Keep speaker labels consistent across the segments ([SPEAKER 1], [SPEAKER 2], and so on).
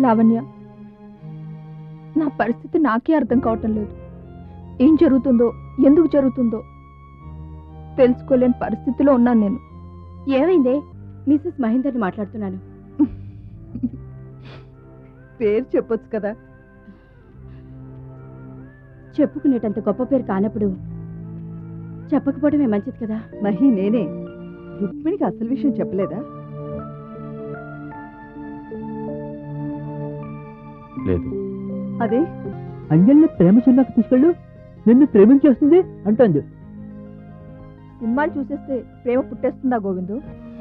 [SPEAKER 1] లావణ్య, నా పరిస్థితి నాకే అర్థం కావటం లేదు. ఏం జరుగుతుందో, ఎందుకు జరుగుతుందో తెలుసుకోలేని పరిస్థితిలో ఉన్నాను నేను.
[SPEAKER 2] ఏమైందే? మిసెస్ మహేందర్ని మాట్లాడుతున్నాను.
[SPEAKER 1] పేరు చెప్పొచ్చు కదా.
[SPEAKER 2] చెప్పుకునేటంత గొప్ప పేరు కానప్పుడు చెప్పకపోవడమే మంచిది కదా.
[SPEAKER 1] మహి, నేనే. రుక్మిణికి అసలు విషయం చెప్పలేదా?
[SPEAKER 3] లేదు.
[SPEAKER 1] అదే
[SPEAKER 4] అంజలిని ప్రేమ సినిమాకి తీసుకెళ్ళు, నిన్ను ప్రేమించేస్తుంది అంటుంది.
[SPEAKER 1] సినిమాలు చూసేస్తే ప్రేమ పుట్టేస్తుందా గోవిందు?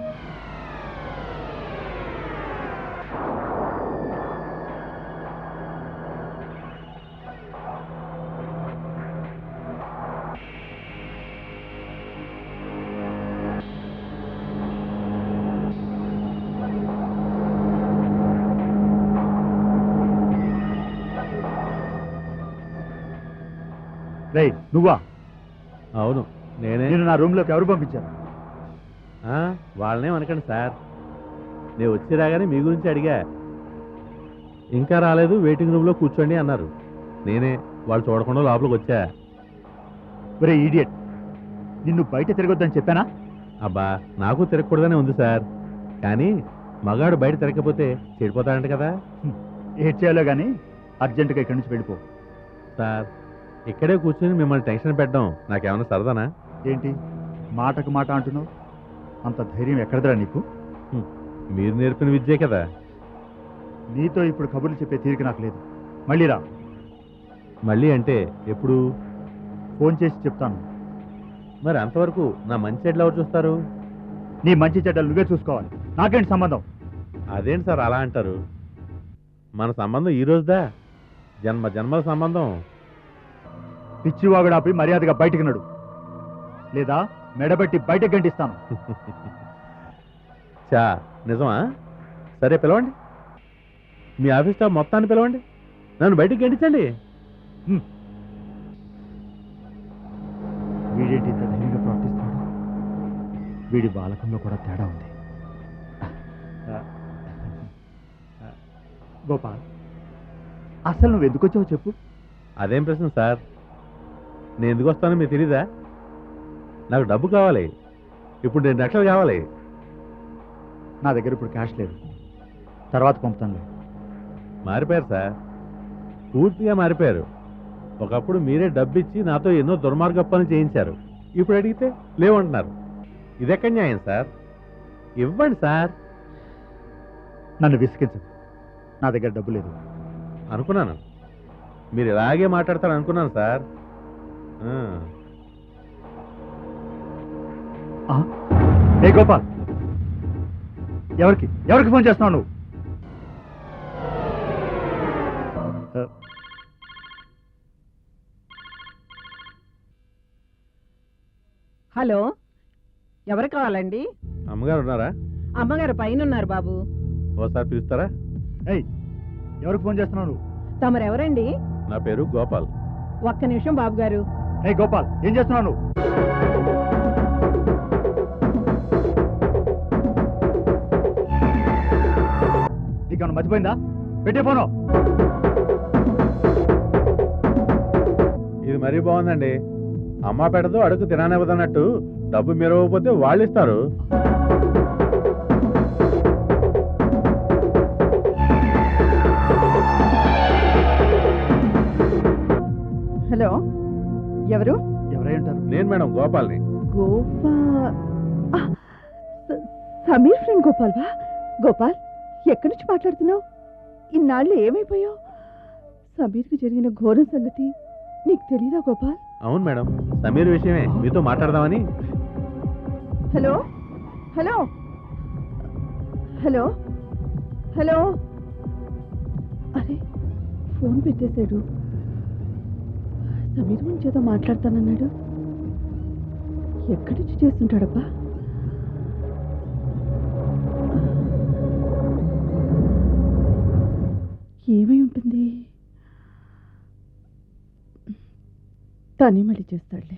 [SPEAKER 3] రేయ్, నువ్వా? అవును, నేనే. నేను నా రూమ్లోకి ఎవరు పంపించారు? వాళ్ళనే అనకండి సార్. నేను వచ్చి రాగానే మీ గురించి అడిగా. ఇంకా రాలేదు, వెయిటింగ్ రూమ్లో కూర్చోండి అన్నారు. నేనే వాళ్ళు చూడకుండా లోపలికి వచ్చా. ఒరే ఈడియట్, నిన్ను బయట తిరగొద్దని చెప్పానా? అబ్బా, నాకు తిరగకూడదనే ఉంది సార్. కానీ మగాడు బయట తిరగకపోతే చెడిపోతాడంట కదా. ఏడ్ చేయాలో కానీ అర్జెంటుగా ఇక్కడి నుంచి వెళ్ళిపో. సార్, ఇక్కడే కూర్చొని మిమ్మల్ని టెన్షన్ పెట్టడం నాకేమన్నా సరదానా? ఏంటి మాటకు మాట అంటున్నావు? అంత ధైర్యం ఎక్కడదరా నీకు? మీరు నేర్పిన విద్యే కదా. నీతో ఇప్పుడు కబుర్లు చెప్పే తీరిక నాకు లేదు. మళ్ళీ రా. మళ్ళీ అంటే ఎప్పుడు? ఫోన్ చేసి చెప్తాను. మరి అంతవరకు నా మంచి చెడ్లు ఎవరు చూస్తారు? నీ మంచి చెడ్డలు నువ్వే చూసుకోవాలి, నాకేంటి సంబంధం? అదేంటి సార్ అలా అంటారు? మన సంబంధం ఈ రోజుదా? జన్మ జన్మల సంబంధం. పిచ్చివాగుడాపి మర్యాదగా బయటికి నడు, లేదా మెడబెట్టి బయటకు గంటిస్తాను. చా, నిజమా? సరే, పిలవండి. మీ ఆఫీస్ స్టాఫ్ మొత్తాన్ని పిలవండి, నన్ను బయటికి గంటించండి. వీడేంటి ఇంత ధైర్యంగా ప్రవర్తిస్తాడు? వీడి బాలకంలో కూడా తేడా ఉంది. గోపాల్, అసలు నువ్వు ఎందుకు వచ్చావు చెప్పు. అదేం ప్రశ్న సార్? నేను ఎందుకు వస్తానో మీకు తెలీదా? నాకు డబ్బు కావాలి. ఇప్పుడు 2 లక్షలు కావాలి. నా దగ్గర ఇప్పుడు క్యాష్ లేదు, తర్వాత పంపుతాను. మారిపోయారు సార్, పూర్తిగా మారిపోయారు. ఒకప్పుడు మీరే డబ్బు ఇచ్చి నాతో ఎన్నో దుర్మార్గ పనులు చేయించారు. ఇప్పుడు అడిగితే లేవంటున్నారు. ఇదెక్కడ న్యాయం సార్? ఇవ్వండి సార్. నన్ను విసిగించండి, నా దగ్గర డబ్బు లేదు. అనుకున్నాను మీరు ఇలాగే మాట్లాడతారు అనుకున్నాను సార్. ఏ గోపాల్, ఎవరికి ఎవరికి ఫోన్ చేస్తున్నావు నువ్వు?
[SPEAKER 5] హలో, ఎవరు కావాలండి?
[SPEAKER 3] అమ్మగారు ఉన్నారా?
[SPEAKER 5] అమ్మగారు పైన ఉన్నారు బాబు.
[SPEAKER 3] ఓసారి పిలుస్తారా? ఎవరికి ఫోన్ చేస్తున్నావు నువ్వు?
[SPEAKER 5] తమరెవరండి?
[SPEAKER 3] నా పేరు గోపాల్.
[SPEAKER 5] ఒక్క నిమిషం బాబు గారు.
[SPEAKER 3] గోపాల్, ఏం చేస్తున్నావు నువ్వు? నీకేమన్నా మర్చిపోయిందా? పెట్టే ఫోను. ఇది మరీ బాగుందండి. అమ్మ పెడదు అడుగు తిననివ్వదన్నట్టు డబ్బు మీరు ఇవ్వకపోతే వాళ్ళు ఇస్తారు.
[SPEAKER 1] హలో, ఎవరు?
[SPEAKER 3] ఎవరై ఉంటారు? నేను మేడం, గోపాల్ని.
[SPEAKER 1] సమీర్ ఫ్రెండ్ గోపాల్ వా? గోపాల్, ఎక్కడి నుంచి మాట్లాడుతున్నావు? ఇన్నాళ్ళు ఏమైపోయావు? సమీర్కి జరిగిన ఘోరం సంగతి నీకు తెలీదా గోపాల్?
[SPEAKER 3] అవును మేడం, సమీర్ విషయమే మీతో మాట్లాడదామని.
[SPEAKER 1] Hello hello hello hello. అరే, ఫోన్ పెట్టేశాడు. సమీర్ గురించి ఏదో మాట్లాడతానన్నాడు. ఎక్కడి నుంచి చేస్తుంటాడబ్బా? ఏమై ఉంటుంది? తనే మళ్ళీ చేస్తాడులే.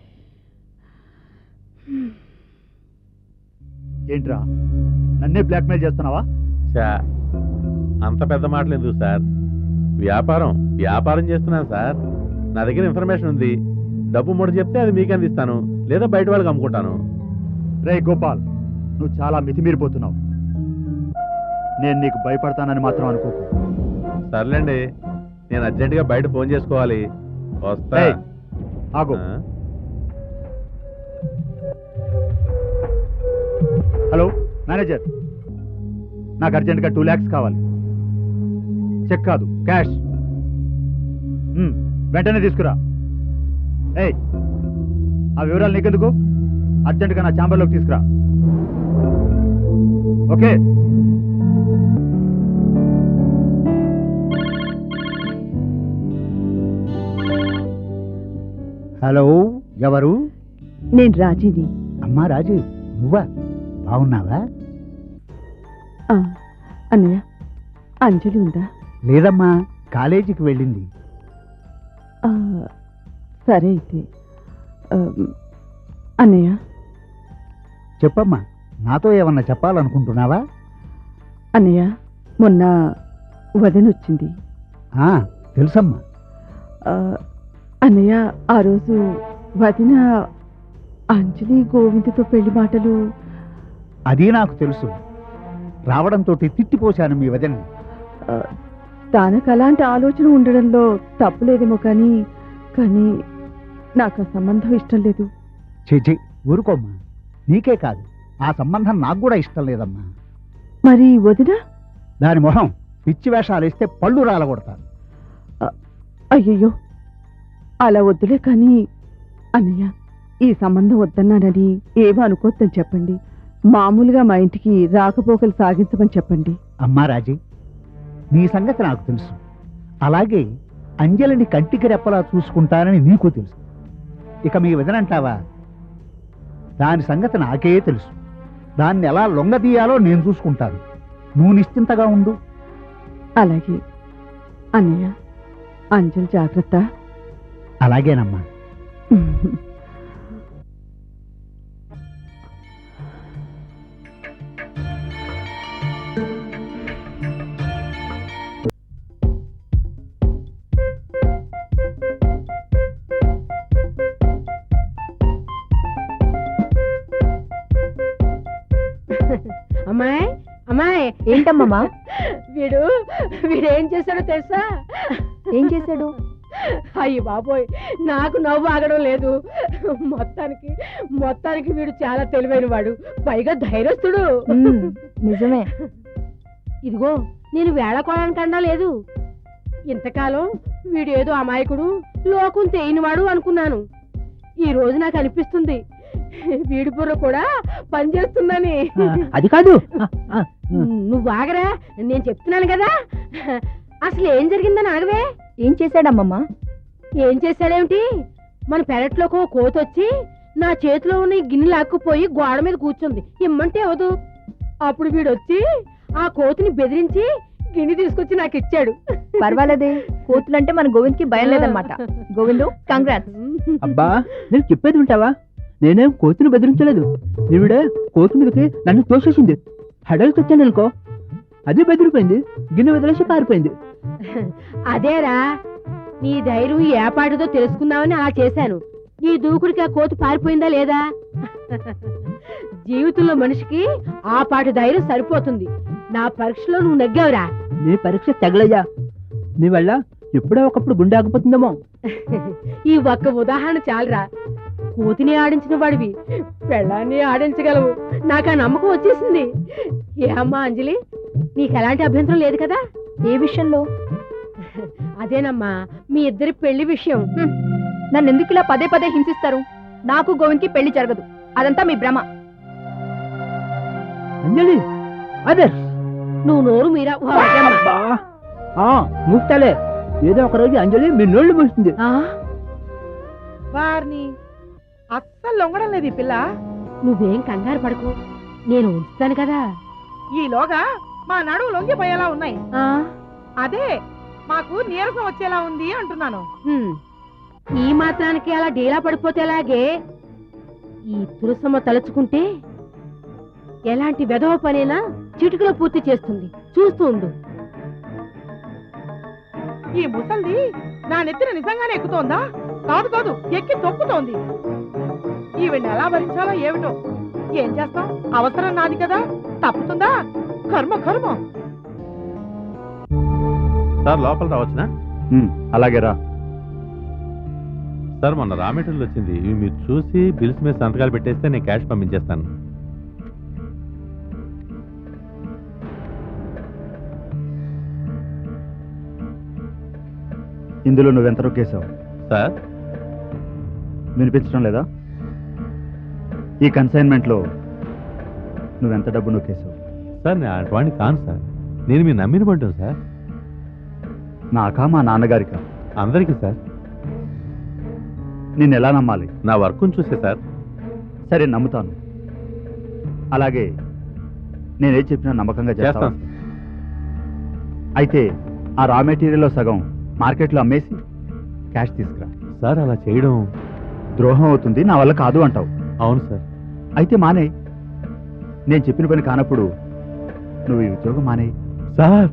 [SPEAKER 3] ఏంట్రా, నన్నే బ్లాక్మెయిల్ చేస్తున్నావా? అంత పెద్ద మాటలు ఎందుకు సార్? వ్యాపారం వ్యాపారం చేస్తున్నాను సార్. నా దగ్గర ఇన్ఫర్మేషన్ ఉంది. డబ్బు మూట చెప్తే అది మీకు అందిస్తాను, లేదా బయట వాళ్ళకి అమ్ముకుంటాను.
[SPEAKER 6] రే గోపాల్, నువ్వు చాలా మితిమీరిపోతున్నావు. నేను నీకు భయపడతానని మాత్రం అనుకోకు.
[SPEAKER 3] సర్లేండి, నేను అర్జెంటుగా బయట ఫోన్ చేసుకోవాలి. వస్తా.
[SPEAKER 6] ఏయ్, ఆగు.
[SPEAKER 3] ఆ?
[SPEAKER 6] హలో మేనేజర్, నాకు అర్జెంటుగా 2 lakhs కావాలి. చెక్ కాదు, క్యాష్. వెంటనే తీసుకురా. ఏయ్, ఆ వివరాలు నీకెందుకు? అర్జెంటుగా నా ఛాంబర్లోకి తీసుకురా. ఓకే.
[SPEAKER 7] హలో, ఎవరు?
[SPEAKER 1] నేను రాజీని.
[SPEAKER 7] అమ్మా రాజు, నువ్వా? బాగున్నావా?
[SPEAKER 1] అన్నయ్య, అంజలి ఉందా?
[SPEAKER 7] లేదమ్మా, కాలేజీకి వెళ్ళింది.
[SPEAKER 1] సరే అయితే. అన్నయ్య,
[SPEAKER 7] చెప్పమ్మా, నాతో ఏమన్నా చెప్పాలనుకుంటున్నావా?
[SPEAKER 1] అన్నయ్య, మొన్న వదనొచ్చింది.
[SPEAKER 7] తెలుసమ్మా.
[SPEAKER 1] అన్నయ్య, ఆ రోజు వదిన అంజలి గోవిందతో పెళ్లి మాటలు.
[SPEAKER 7] అది నాకు తెలుసు. రావడంతో తిట్టిపోశాను మీ వదిన్ని.
[SPEAKER 1] తనకు అలాంటి ఆలోచన ఉండడంలో తప్పులేదేమో కానీ కానీ నాకు ఆ సంబంధం ఇష్టం లేదు.
[SPEAKER 7] చేచి ఊరుకోమ్మా, నీకే కాదు ఆ సంబంధం నాకు కూడా ఇష్టం లేదమ్మా.
[SPEAKER 1] మరి వదిన?
[SPEAKER 7] దాని మొహం పిచ్చి వేషాలు వేస్తే పళ్ళు రాలగొడతాను.
[SPEAKER 1] అయ్యయ్యో, అలా వద్దులే. కానీ అన్నయ్య, ఈ సంబంధం వద్దన్నానని ఏమో అనుకోద్దని చెప్పండి. మామూలుగా మా ఇంటికి రాకపోకలు సాగించమని చెప్పండి.
[SPEAKER 7] అమ్మా రాజీ, నీ సంగతి నాకు తెలుసు. అలాగే అంజలిని కంటికి రెప్పలా చూసుకుంటానని నీకు తెలుసు. ఇక మీ వదనంటావా? దాని సంగతి నాకే తెలుసు. దాన్ని ఎలా లొంగదీయాలో నేను చూసుకుంటాను. నువ్వు నిశ్చింతగా ఉండు.
[SPEAKER 1] అలాగే అన్నయ్య. అంజలి జాగ్రత్త.
[SPEAKER 7] అలాగేనమ్మా.
[SPEAKER 5] అమ్మాయి, అమ్మాయి.
[SPEAKER 2] ఏంటమ్మమ్మా?
[SPEAKER 5] వీడేం చేశాడో తెలుసా?
[SPEAKER 2] ఏం చేశాడు?
[SPEAKER 5] అయ్యి బాబోయ్, నాకు నవ్వు ఆగడం లేదు. మొత్తానికి వీడు చాలా తెలివైన వాడు, పైగా ధైర్యస్తుడు.
[SPEAKER 2] నిజమే.
[SPEAKER 5] ఇదిగో, నేను వేళకోవడానికన్నా లేదు. ఇంతకాలం వీడు ఏదో అమాయకుడు, లోకం తేయినవాడు అనుకున్నాను. ఈ రోజు నాకు అనిపిస్తుంది వీడి బుర్ర కూడా పనిచేస్తుందని.
[SPEAKER 4] అది కాదు.
[SPEAKER 5] నువ్వు ఆగరా, నేను చెప్తున్నాను కదా. అసలు ఏం జరిగిందని అడగవే.
[SPEAKER 2] ఏం చేశాడమ్మమ్మా?
[SPEAKER 5] ఏం చేశాడేమిటి? మన పెరట్లోకి ఓ కోతి వచ్చి నా చేతిలో ఉన్న ఈ గిన్నె లాక్కుపోయి గోడ మీద కూర్చుంది. ఇమ్మంటే అవదు. అప్పుడు వీడు వచ్చి ఆ కోతిని బెదిరించి గిన్నె తీసుకొచ్చి నాకు ఇచ్చాడు.
[SPEAKER 2] పర్వాలేదే, కోతులంటే మన గోవింద్కి భయం లేదన్నమాట. గోవిందు, కంగ్రాట్స్.
[SPEAKER 4] అబ్బా, నేను చెప్పేది ఉంటావా? నేనేం కోతిని బెదిరించలేదు. ఈవిడే కోతి మీదకి నన్ను తోసేసింది. హడల్కి వచ్చాను అనుకో, అది బెదిరిపోయింది, గిన్నె వదిలేసి పారిపోయింది.
[SPEAKER 5] అదేరా, నీ ధైర్యం ఏ పాటిదో తెలుసుకుందామని అలా చేశాను. నీ దూకుడికి ఆ కోతి పారిపోయిందా లేదా? జీవితంలో మనిషికి ఆ పాటి ధైర్యం సరిపోతుంది. నా పరీక్షలో నువ్వు నెగ్గావురా.
[SPEAKER 4] నీ పరీక్ష తగలయ్యా. నీ వల్ల ఎప్పుడో ఒకప్పుడు గుండె ఆగిపోతుందేమో.
[SPEAKER 5] ఈ ఒక్క ఉదాహరణ చాలరా. కోతిని ఆడించిన వాడివి పెళ్ళాన్ని ఆడించగలవు. నాకు ఆ నమ్మకం వచ్చేసింది. ఏ అమ్మా అంజలి, నీకు ఎలాంటి అభ్యంతరం లేదు కదా?
[SPEAKER 2] ఏ విషయంలో?
[SPEAKER 5] అదేనమ్మా, మీ ఇద్దరి పెళ్లి విషయం.
[SPEAKER 2] నన్ను ఎందుకు ఇలా పదే పదే హింసిస్తారు? నాకు గోవింద్కి పెళ్లి జరగదు. అదంతా మీ భ్రమ.
[SPEAKER 4] అంజలి, అదే
[SPEAKER 5] నువ్వు నోరు మీరా.
[SPEAKER 4] మూస్తాలే. ఏదో ఒక రోజు అంజలి మీ నోళ్ళు మూస్తుంది.
[SPEAKER 5] వారిని అస్సలు లొంగడం లేదు ఈ పిల్ల. నువ్వేం కంగారు పడకు, నేను ఉంచుతాను కదా.
[SPEAKER 8] ఈలోగా మా నడువు లొంగిపోయేలా ఉన్నాయి. అదే మాకు నీరసం వచ్చేలా ఉంది అంటున్నాను.
[SPEAKER 5] ఈ మాత్రానికి అలా డీలా పడిపోతే ఎలాగే? ఈ తులసమ్మ తలుచుకుంటే ఎలాంటి వెధవ పనైనా చిటికలో పూర్తి చేస్తుంది. చూస్తూ ఉండు.
[SPEAKER 8] ఈ ముసల్ది నా నెత్తిన నిజంగానే ఎక్కుతోందా? కాదు కాదు, ఎక్కి తొక్కుతోంది. ఈవిడ్ని ఎలా భరించాలో ఏమిటో. ఏం చేస్తాం, అవసరం నాది కదా, తప్పుతుందా? కర్మ కర్మ.
[SPEAKER 3] సార్ లోపల రావచ్చునా?
[SPEAKER 6] అలాగే రా.
[SPEAKER 3] సార్ మొన్న రా మెటీరియల్ వచ్చింది, ఇవి మీరు చూసి బిల్స్ మీద సంతకాలు పెట్టేస్తే నేను క్యాష్ పంపించేస్తాను.
[SPEAKER 6] ఇందులో నువ్వెంత రొక్కేశావు?
[SPEAKER 3] సార్
[SPEAKER 6] వినిపించడం లేదా? ఈ కన్సైన్మెంట్లో నువ్వెంత డబ్బు నొక్కేశావు?
[SPEAKER 3] సార్ నేను అటువంటి కాను సార్, నేను మీరు నమ్మిన పడ్డాను సార్.
[SPEAKER 6] నాకా మా నాన్నగారికా?
[SPEAKER 3] అందరికీ సార్.
[SPEAKER 6] నేను ఎలా నమ్మాలి?
[SPEAKER 3] నా వర్క్ను చూసే సార్.
[SPEAKER 6] సరే నమ్ముతాను. అలాగే నేనేం చెప్పినా నమ్మకంగా చేస్తాను.
[SPEAKER 3] చేస్తాను
[SPEAKER 6] అయితే ఆ రా మెటీరియల్లో సగం మార్కెట్లో అమ్మేసి క్యాష్ తీసుకురా.
[SPEAKER 3] సార్ అలా చేయడం
[SPEAKER 6] ద్రోహం అవుతుంది, నా వల్ల కాదు అంటావు.
[SPEAKER 3] అవును సార్.
[SPEAKER 6] అయితే మానే. నేను చెప్పిన పని కానప్పుడు నువ్వు ఈ ఉద్యోగం మానే.
[SPEAKER 3] సార్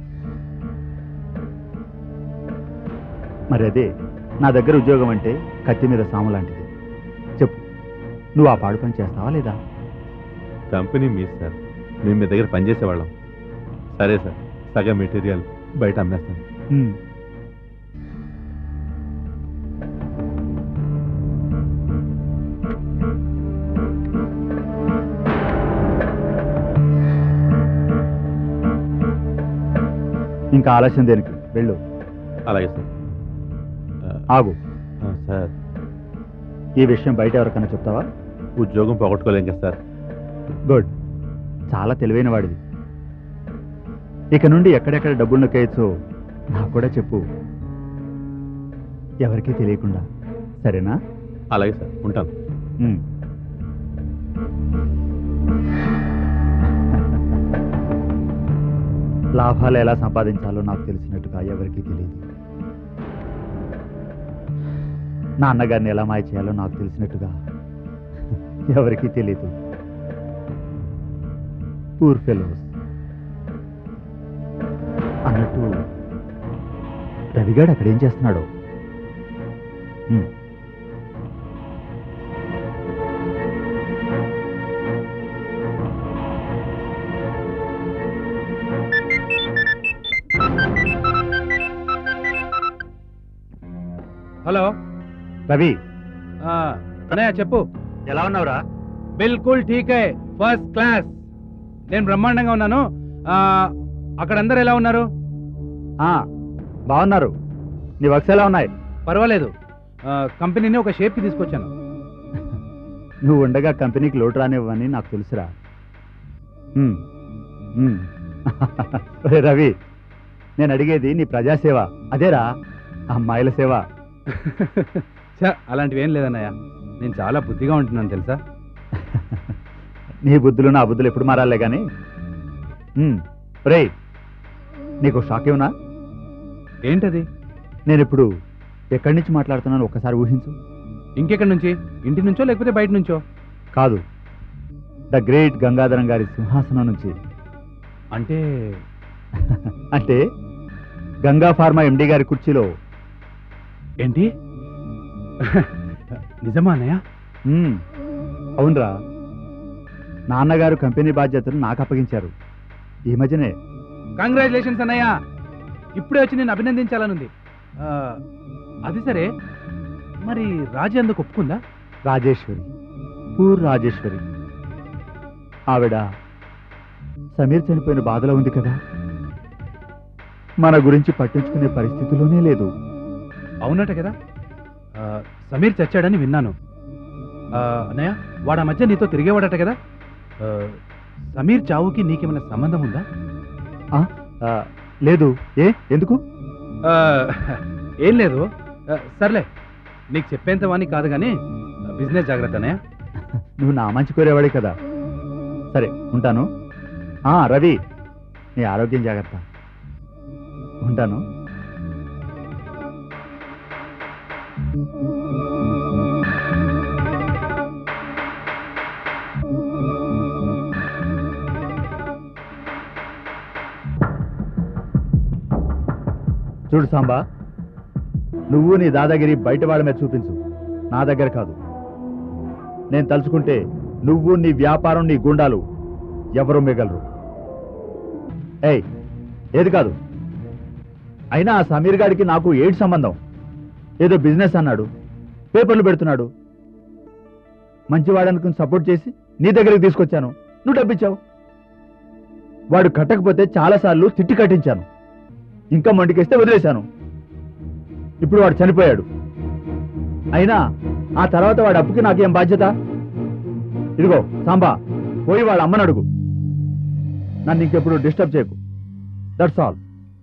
[SPEAKER 6] మరి అదే నా దగ్గర ఉద్యోగం అంటే కత్తి మీద సాము లాంటిది. చెప్పు, నువ్వు ఆ పాడు పని చేస్తావా లేదా?
[SPEAKER 3] కంపెనీ మీ సార్, మేము మీ దగ్గర పనిచేసేవాళ్ళం. సరే సార్, సగం మెటీరియల్ బయట అమ్మేస్తాను.
[SPEAKER 6] ఇంకా ఆలస్యం దేనికి? వెళ్ళు.
[SPEAKER 3] అలాగే సార్.
[SPEAKER 6] ఆగు.
[SPEAKER 3] సార్
[SPEAKER 6] ఈ విషయం బయట ఎవరికైనా చెప్తావా?
[SPEAKER 3] ఉద్యోగం పోగొట్టుకోలేం కదా సార్.
[SPEAKER 6] గుడ్, చాలా తెలివైన వాడిది. ఇక నుండి ఎక్కడెక్కడ డబ్బులు నొక్కేయచ్చో నాకు కూడా చెప్పు, ఎవరికీ తెలియకుండా. సరేనా?
[SPEAKER 3] అలాగే సార్, ఉంటాను.
[SPEAKER 6] లాభాలు ఎలా సంపాదించాలో నాకు తెలిసినట్టుగా ఎవరికీ తెలియదు. నా అన్నగారిని ఎలా మాయ చేయాలో నాకు తెలిసినట్టుగా ఎవరికీ తెలియదు. Poor fellows. అన్నట్టు రవిగాడు అక్కడేం చేస్తున్నాడో?
[SPEAKER 9] హలో
[SPEAKER 6] రవి.
[SPEAKER 9] అన్నయ్య చెప్పు.
[SPEAKER 6] ఎలా ఉన్నావురా?
[SPEAKER 9] బిల్కుల్ ఠీకే, ఫస్ట్ క్లాస్. నేను బ్రహ్మాండంగా ఉన్నాను. అక్కడ అందరు ఎలా ఉన్నారు?
[SPEAKER 6] బాగున్నారు. నీ వర్క్స్ ఎలా ఉన్నాయి?
[SPEAKER 9] పర్వాలేదు. కంపెనీని ఒక షేప్కి తీసుకొచ్చాను.
[SPEAKER 6] నువ్వు ఉండగా కంపెనీకి లోటు రానివ్వని నాకు తెలుసురా. రవి, నేను అడిగేది నీ ప్రజాసేవ, అదేరా అమ్మాయిల సేవ.
[SPEAKER 9] అలాంటివి ఏం లేదన్నయ్య, నేను చాలా బుద్ధిగా ఉంటున్నాను తెలుసా.
[SPEAKER 6] నీ బుద్ధులు నా బుద్ధులు ఎప్పుడు మారాలే కానీ. రే, నీకు షాక్ ఏమన్నా?
[SPEAKER 9] ఏంటది?
[SPEAKER 6] నేను ఇప్పుడు ఎక్కడి నుంచి మాట్లాడుతున్నాను ఒక్కసారి ఊహించు.
[SPEAKER 9] ఇంకెక్కడి నుంచి? ఇంటి నుంచో లేకపోతే బయట నుంచో?
[SPEAKER 6] కాదు, ద గ్రేట్ గంగాధరం గారి సింహాసనం నుంచి.
[SPEAKER 9] అంటే
[SPEAKER 6] అంటే గంగా ఫార్మా ఎండి గారి కుర్చీలో.
[SPEAKER 9] ఏంటి? నిజమా అన్నయ్య?
[SPEAKER 6] అవునరా, నాన్నగారు కంపెనీ బాధ్యతలు నాకు అప్పగించారు ఈ మధ్యనే.
[SPEAKER 9] కంగ్రాచులేషన్స్ అన్నయ్య, ఇప్పుడే వచ్చి నేను అభినందించాలనుంది. అది సరే, మరి రాజీ అందుకు ఒప్పుకుందా?
[SPEAKER 6] రాజేశ్వరి, పూర్ రాజేశ్వరి. ఆవిడ సమీర్ చనిపోయిన బాధలో ఉంది కదా, మన గురించి పట్టించుకునే పరిస్థితిలోనే లేదు.
[SPEAKER 9] అవునట కదా, సమీర్ చచ్చాడని విన్నాను. అన్నయ్య, వాడు ఆ మధ్య నీతో తిరిగేవాడట కదా. సమీర్ చావుకి నీకేమైనా సంబంధం ఉందా?
[SPEAKER 6] లేదు. ఎందుకు?
[SPEAKER 9] ఏం లేదు. సర్లే, నీకు చెప్పేంత వాణి కాదు కానీ బిజినెస్ జాగ్రత్త అన్నయ్య.
[SPEAKER 6] నువ్వు నా మంచి కోరేవాడే కదా. సరే ఉంటాను. రవి, నీ ఆరోగ్యం జాగ్రత్త. ఉంటాను. చూడు సాంబా, నువ్వు నీ దాదాగిరి బయట వాళ్ళ మీద చూపించు, నా దగ్గర కాదు. నేను తలుచుకుంటే నువ్వు నీ వ్యాపారం నీ గుండాలు ఎవరు మిగలరు. ఏయ్, ఏది కాదు. అయినా ఆ సమీర్ గాడికి నాకు ఏడు సంబంధం? ఏదో బిజినెస్ అన్నాడు, పేపర్లు పెడుతున్నాడు. మంచివాడనుకుని సపోర్ట్ చేసి నీ దగ్గరికి తీసుకొచ్చాను, నువ్వు డబ్బిచ్చావు. వాడు కట్టకపోతే చాలాసార్లు తిట్టి కట్టించాను, ఇంకా మండికేస్తే వదిలేశాను. ఇప్పుడు వాడు చనిపోయాడు. అయినా ఆ తర్వాత వాడి అప్పుకి నాకేం బాధ్యత? ఇదిగో సాంబా, పోయి వాళ్ళ అమ్మని అడుగు. నన్ను ఇంకెప్పుడు డిస్టర్బ్ చేయకు. That's all.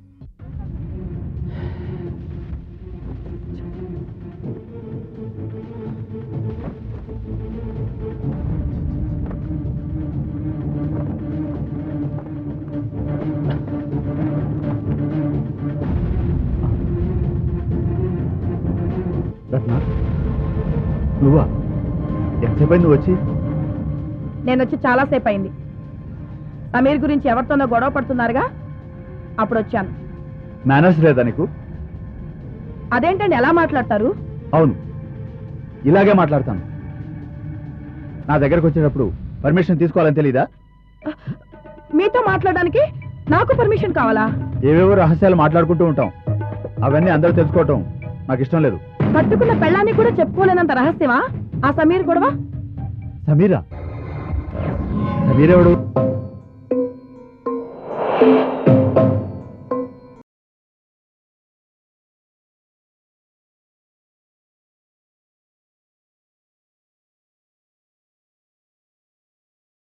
[SPEAKER 6] రత్న, నువ్వా? ఎంతసేపు అయింది నువ్వు వచ్చి?
[SPEAKER 2] నేను వచ్చి చాలాసేపు అయింది. సమీర్ గురించి ఎవరితోనో గొడవ పడుతున్నారుగా, అప్పుడు వచ్చాను.
[SPEAKER 6] మేనర్స్ లేదా నీకు?
[SPEAKER 2] అదేంటండి ఎలా మాట్లాడతారు?
[SPEAKER 6] అవును, ఇలాగే మాట్లాడతాను. నా దగ్గరకు వచ్చేటప్పుడు పర్మిషన్ తీసుకోవాలని తెలీదా?
[SPEAKER 2] మీతో మాట్లాడడానికి నాకు పర్మిషన్ కావాలా?
[SPEAKER 6] ఏవేవో రహస్యాలు మాట్లాడుకుంటూ ఉంటాం, అవన్నీ అందరూ తెలుసుకోవటం నాకు ఇష్టం లేదు.
[SPEAKER 2] కట్టుకున్న పెళ్ళాన్ని కూడా చెప్పుకోలేనంత రహస్యమా ఆ సమీర్ గొడవ?
[SPEAKER 6] సమీరా? సమీరెవడు?